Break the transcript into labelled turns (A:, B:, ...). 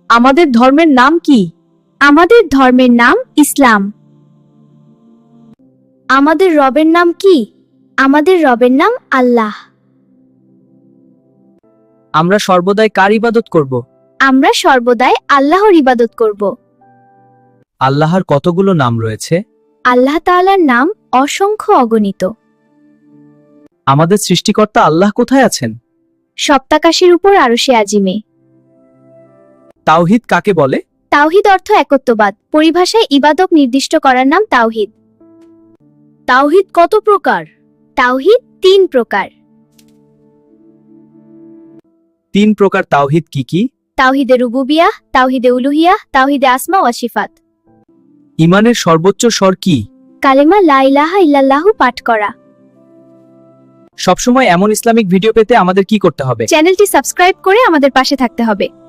A: আমাদের ধর্মের নাম কি?
B: আমাদের ধর্মের নাম ইসলাম। আমাদের রবের নাম কি? আমাদের রবের নাম আল্লাহ।
A: আমরা সর্বদাই কার ইবাদত করব?
B: আমরা সর্বদাই আল্লাহর ইবাদত করব।
A: আল্লাহর কতগুলো নাম রয়েছে?
B: আল্লাহ তাআলার নাম অসংখ্য অগণিত।
A: আমাদের সৃষ্টিকর্তা আল্লাহ কোথায় আছেন?
B: সপ্তাকাশের উপর আরশে আজিমে।
A: তাওহীদ কাকে বলে?
B: তাওহীদ অর্থ একত্ববাদ। পরিভাষায় ইবাদত নির্দিষ্ট করার নাম তাওহীদ।
A: তাওহীদ কত প্রকার?
B: তাওহীদ 3 প্রকার।
A: 3 প্রকার তাওহীদ কি কি?
B: তাওহীদে রুবুবিয়াহ, তাওহীদে উলুহিয়াহ, তাওহীদে আসমা ওয়া সিফাত।
A: ঈমানের সর্বোচ্চ স্বর কি?
B: কালেমা লা ইলাহা ইল্লাল্লাহু পাঠ করা।
A: সবসময় এমন ইসলামিক ভিডিও পেতে আমাদের কি করতে হবে?
B: চ্যানেলটি সাবস্ক্রাইব করে আমাদের পাশে থাকতে হবে।